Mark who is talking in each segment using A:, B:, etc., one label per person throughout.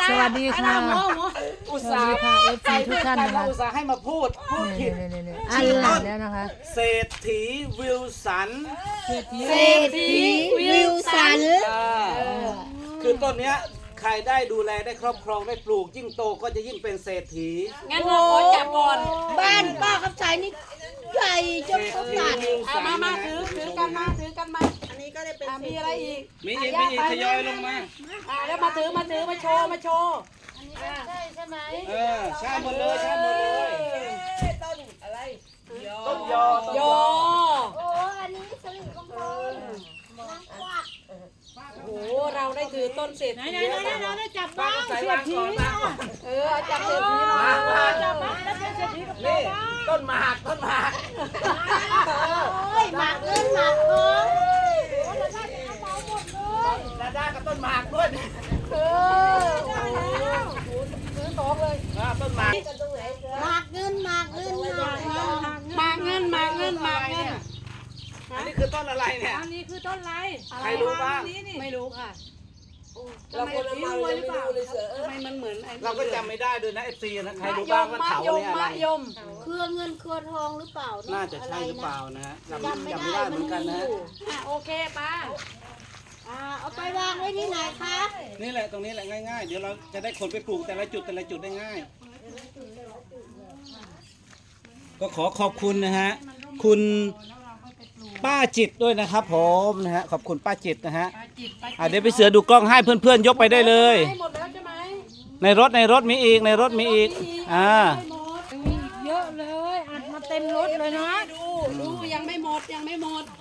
A: สวัสดีค่ะ
B: อุตส่าห์
A: เอฟซีทุกท่านนะคะ
B: อุตส่าห์ให้มาพูดผิด
A: อันหลังแล้วนะคะ
B: เศรษฐีวิลสัน
C: เศรษฐีวิลสัน
B: คือต้นเนี้ยใครได้ดูแลได้ครอบครองได้ปลูกยิ่งโตก็จะยิ่งเป็นเศรษฐี
D: งั้นเราขอจับก่อน
C: บ้านป้าคำสายนี่ใหญ่จนเขาตัด
D: เอามาถือกันมา
C: อันนี้ก็ได้เป็น
D: มีอะไรอีก
B: มีอีกทยอยลงมา
D: แล้วมาโชว์
C: ใช่ไหม
B: ใช่หมดเลยใช่หมดเลย
C: ต้นอะไร
B: ต้นยอ
D: โย
C: โอ้อันนี้สลิดมงคลนางกวัก
D: โอ้เราได้ถือต้นเศรษฐี
C: ได้จับบ้างเสียที
D: จับเศรษฐีหน่อยจับบ้างแล้วเศรษฐีกับ
B: นี่ต้นหมาก
C: โอ้ยหมากเงินหมากทอง
B: ดาด้ากับต้นหมากด้วย
D: ซื้อสองเลย
B: ต้นหมาก
C: หมากเงินหมากเงินหมากทอง
D: มาเงิน
B: อันนี้คือต้นอะไรเนี่ย
D: อันนี้คือต้นอะไร
B: ใครรู้บ้าง
D: ไม่รู้ค่ะเราคนละมาเลยไม่รู้เลยทำไมมันเหมือนไอ้
B: เราก็จำไม่ได้ด้วยนะเอฟซีนะใครรู้บ้างว่าเถาเนี่ยอะไร
D: มะยม
C: เครือเงินเครือทองหรือเปล่า
B: น่าจะใช่หรือเปล่านะฮะจำ
C: จำไม่
B: ไม่
C: ได้
B: ได้เหมือนกันนะฮะ
D: โอเคป้า
C: เอาไปวางไว้ที่ไหนคะ
B: นี่แหละตรงนี้แหละง่ายๆเดี๋ยวเราจะได้ขนไปปลูกแต่ละจุดได้ง่าย ก็ขอขอบคุณนะฮะคุณป้าจิตด้วยนะครับผมนะฮะขอบคุณป้าจิตนะฮะเดี๋ยวไปเสือดูกล้องให้เพื่อนๆยกไปได้เลย
D: ให้หมดแล้วใช่ไหม
B: ในรถมีอีก
A: เยอะเลยอัดมาเต็มรถเลยเนาะ
D: ดูยังไม่หมดยังไม่หมด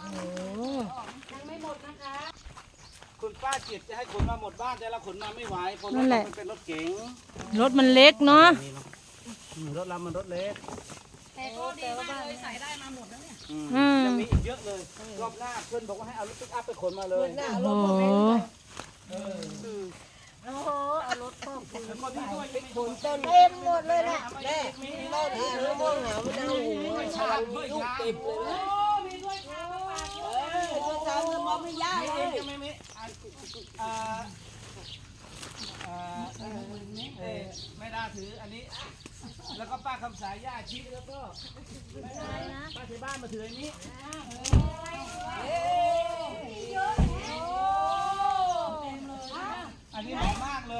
D: นะคะ
B: คุณป้าจิตจะให้ขนมาหมดบ้านแต่ละขนมาไม่ไหวเพราะรถมันเป็นรถเก๋ง
A: รถมันเล็กเนาะ
B: รถเรามันรถเล็ก
D: แต่ก็ดีมากเลยใส่ได้มาหมดแล้วเนี่ย
B: ยังมีอีกเยอะเลยรอบหน้าเพื่อนบอกว่าให้เอารถปิกอัพไปขนมาเลย
A: โอ้โห
C: โอ้โหเอารถพ่อคุณ
B: แล้วก็ที่ด้วยยังมี
C: ต้นเต็มหมดเลยนะ
B: แม่ต้นนี้มะม่วงหามะนาวหูชาลูกเต็มเลยนะ
D: มีด้วยค่ะมาฝากด้วย
C: ตัวสาวเงินมองไม่ยากเลย
B: ไม่ไม่ได้ถืออันนี้ แล้วก็ป้าคำสายย่าชี้แล้วก็ป้าที่บ้านมาถืออันนี้อันนี้หอมมากเลย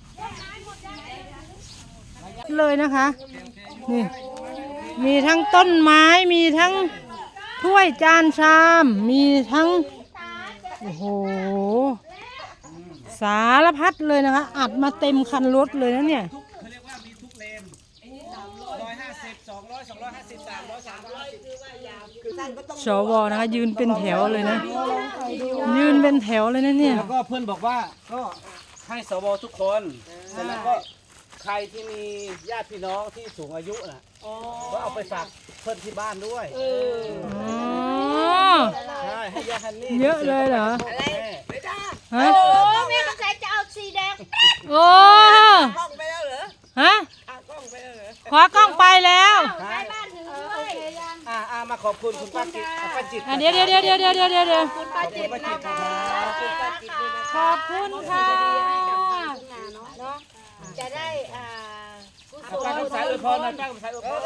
A: เลยนะคะนี่มีทั้งต้นไม้มีทั้งถ้วยจานชามมีทั้งโอ้โหสารพัดเลยนะคะอัดมาเต็มคันรถเลยนะเนี่ย
B: เขาเรียกว่ามีทุกเลน150 200 250 300 350
A: สวนะคะยืนเป็นแถวเลยนะยืนเป็นแถวเลยนะเนี่ย
B: แล้วก็เพื่อนบอกว่าก็ให้สวทุกคนแต่แล้วก็ใครที่มีญาติพี่น้องที่สูงอายุน่ะก็เอาไปฝากเพื่อนที่บ้านด้วย
A: อ๋อ
B: ใช่ให้ยาฮันนี่
A: เยอะเลยเหรอ ฮะ
C: โอ้แม่กระแสจะเอาสีแดง
A: โอ้ฮะขอกล้องไปแล้ว
C: ไปบ้านถึงด้วย
B: มาขอบคุณคุณป้าจิตป้าจิต
A: เดี๋ยว
C: คุณป้าจิตนะคะ
A: ขอบคุณค่ะ
C: เนาะจะได้กุศล
B: ป้าคำสายอวยพรนะป้าคำสายอวยพร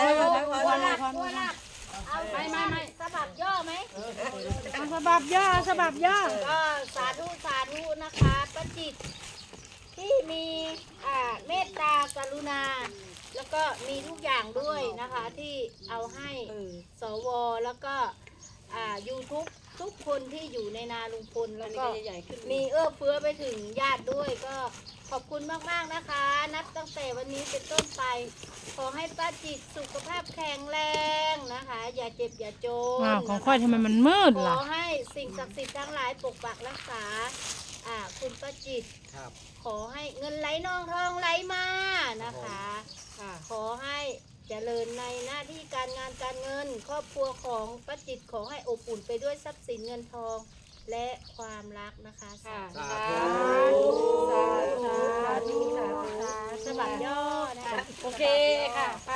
C: เอาไม่สะบัดย่อไหม
A: สบับย่อสบับย่อ
C: ก็สาธุนะคะป้าจิตที่มีเมตตากรุณา แล้วก็มีทุกอย่างด้วยนะคะที่เอาให้สวแล้วก็YouTube ทุกคนที่อยู่ในนาลุงพลแล้วก็มีเอื้อเฟื้อไปถึงญาติด้วยก็ขอบคุณมากๆนะคะ นับตั้งแต่วันนี้เป็นต้นไป ขอให้ป้าจิตสุขภาพแข็งแรงนะคะ อย่าเจ็บอย่าจน
A: อ้าวของค่อยทำไมมันมืด
C: ขอ
A: ล่ะ
C: ให้สิ่งศักดิ์สิทธิ์ทั้งหลายปกปักรักษาคุณป้าจิต
B: ครับ
C: ขอให้เงินไหลนองทองไหลมานะคะ ขอให้เจริญในหน้าที่การงานการเงิน ครอบครัวของป้าจิตขอให้อบอุ่นไปด้วยทรัพย์สินเงินทองและความรักนะคะสาธุสบัดย่อนะคะ
D: โอเคค่ะไป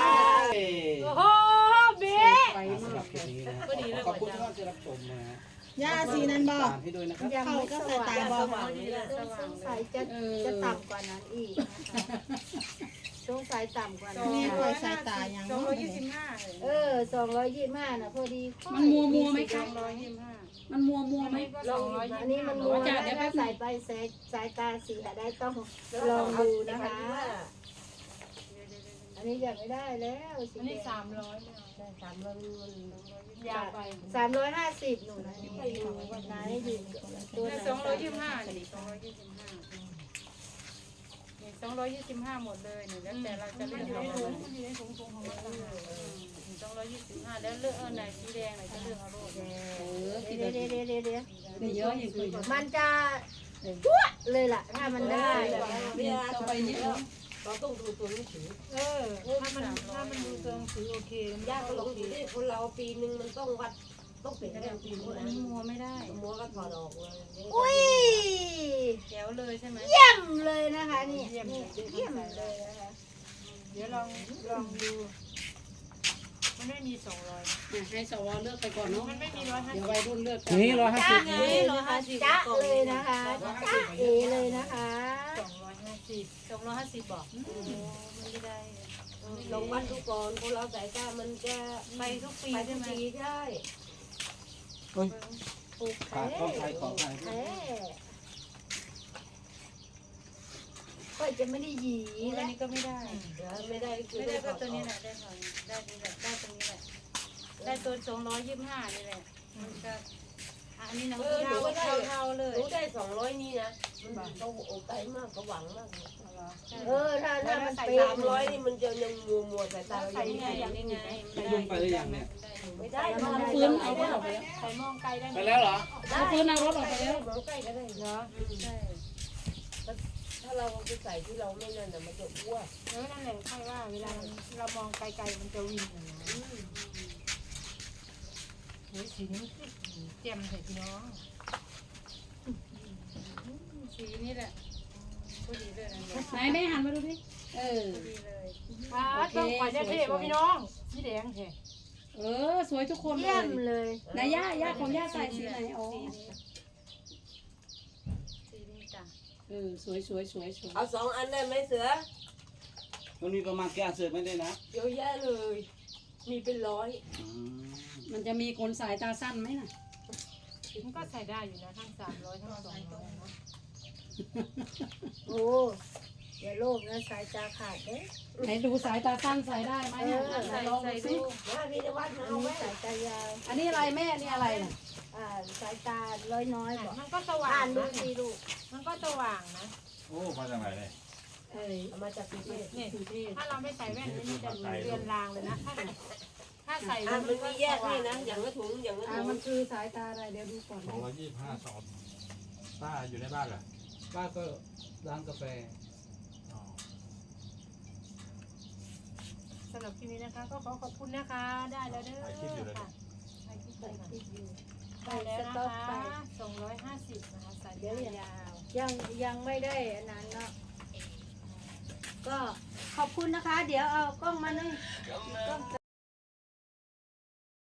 D: โอ้โหเบ๊
B: สำหรับคลิปนี้นะขอบคุณทุกท่านที่รับชมนะฮะ
A: ย่าสีนั้นบอก
B: ให้ด้วยนะครับ
C: ยังไม่สว่าง
A: เข้าก็สายตาบอด
C: สงสัยจะต่ำกว่านั้นอีกนะคะสงสัยต่ำกว่านั้น
A: แม่ปล่อยสายตายัง
C: เออ225น่ะพอดี
D: มันมัวไหมคะมันมัวไหม
C: อันนี้มันมัวนะถ้าใส่ไปสายตาเสียได้ต้องลองดูนะคะ อันนี้อยากไม่ได้แล้วสีแดง
E: ยาวไป
C: 350หนูนะนี่วันไหนอยู่ตัวไหน
E: 225นี่225หมดเลยนี่แล้วแต่เราจะเลือกเอาเลย225แล้วเลือกเอาไหนสีแดงไหนจะเลือกเอาโลด
C: เดี๋ยว
D: นี่เยอะอย่างเคยเยอะ
C: มันจะชั่วเลยล่ะถ้ามันได้
D: เวลาต่อไปนี้เราต้องดูตัวหนังสือ
E: ถ้ามันดูตัวหนังสือโอเค
D: ยากก็ลงดูดิคนเราปีนึงมันต้องวัดต้องเปลี่ยนแนวปีนึง
E: อันนี้มัวไม่ได้
D: มัวก็ถอดออกเลย
C: อุ้ย
E: แจ๋วเลยใช่ไหม
C: เยี่ยมเลยนะคะนี่เยี่ยมเลยนะคะ
E: เดี๋ยวลองดูมันไม่มี200
D: ให้สวเลือกไปก่อนเนาะ
E: มันไม่มี
D: เดี๋ยววัยรุ่นเลือกกัน
B: นี่150
C: จ้าเอจ้าเลยนะคะจ้าเอเลยนะคะ
E: 250บอกไม่ได้
D: ลองวัดดูก่อนคนเราสายตามันจะ
E: ไปทุกปี
D: ไป
E: ใช่
D: ทุก
E: ไหม
D: ปีใช่
B: เฮ้ย
C: โอเค
B: ขออภัย
C: แท้ก็จะไม่ได้หยี
E: อัน
C: แล้ว
E: นี้ก็ไม่ได้
D: ไม่ได้คือ
E: ไม่ได้ก็ตัวนี้แหละได้พอได้นี่แหละได้ตรงนี้แหละได้ตัว225นี่แหละมันก็อันนี้น้องเท่าเลย
D: รู้ได้200นี่นะมันเขาโอ้ใจมากเขาหวังมาก
C: ถ้ามัน
D: ใส่
C: เป๊ะ
D: 300นี่มันจะยังมัวสายตา
E: ใส่ยังไงอย่างนี้ไง
B: ยุ่งไปหรือยังเนี่ย
D: ไม่ได้
E: ปืนเอารถออกไปแล้วใส่มองไกลได้ไหม
B: ไปแล้วเหรอ
D: เอาปืนเอารถออกไปแล้วมองใกล้ก็ได้
E: เหรอใช่
D: ถ้าเราไปใส่ที่เราไม่นั่นน่ะมันจะอ้วน
E: นั่นแหละค่อยว่าเวลาเรามองไกลๆมันจะวินนะโอ้ยสีนี้เจียมใส่พี่น้องสีนี้แหละพอดีเลยนะ
D: ไหนแม่หันมาดูดิเออ
E: พอดีเลยต้องขอจะเท่ป่ะพี่น้องสีแดงแท้
D: สวยทุกคนเล
C: เยี่ย
D: ย
C: มเลย
D: ไหนย่าของย่าใส่สีไหนอ๋อ
E: สีนี้จ้ะ
D: สวยเอา2 อันได้ไหมเสือ
B: มันมีประมาณกี่อันเสือไม่ได้นะ
D: เยอะแยะเลย มีเป็น100มันจะมีคนสายตาสั้นไหมน่ะ
E: มันก็ใส่ได้อยู่นะทั้ง300ทั้ง200นะ
C: โอ้อย่าโลภนะสายตาขาดเด้
D: ไหนดูสายตาสั้นใส่ได้ไหมลองดูสิ
C: มาพี่นวัดมาเอาไว้สายตายาว
D: อันนี้อะไรแม่นี่อะไรน่ะ
C: สายตาน้อยบอก
E: มันก็สว่า
C: อ่าง นดู
E: นะ
C: สิลูก
E: มันก็สว่างนะ
F: โอ้มาจากไหนเนี่ย
D: เอามาจากกรุงเทพ
E: นี่ถ้าเราไม่ใส่แว่นนี่จะเรือนรางเลยนะถ้าใส่
D: มันมีแยกให้นะอย่างละถุงอย่างละถุง
A: มันคือสายตาอะไรเดี๋ยวดูก่อน
F: 225 2ป้าอยู่ในบ้านเหรอ
B: ป้าก็ร้านกาแฟ
F: อ๋อ
E: สำหรับคลิปนี้นะคะก็ขอขอบคุณนะคะได้แล้วเด้อค่ะได้แล้วนะคะ250นะคะใส่เดี๋ยวยาว
C: ยังไม่ได้อันนั้นเนาะก็ขอบคุณนะคะ เดี๋ยวเอากล้องมาหน่อยกล้อง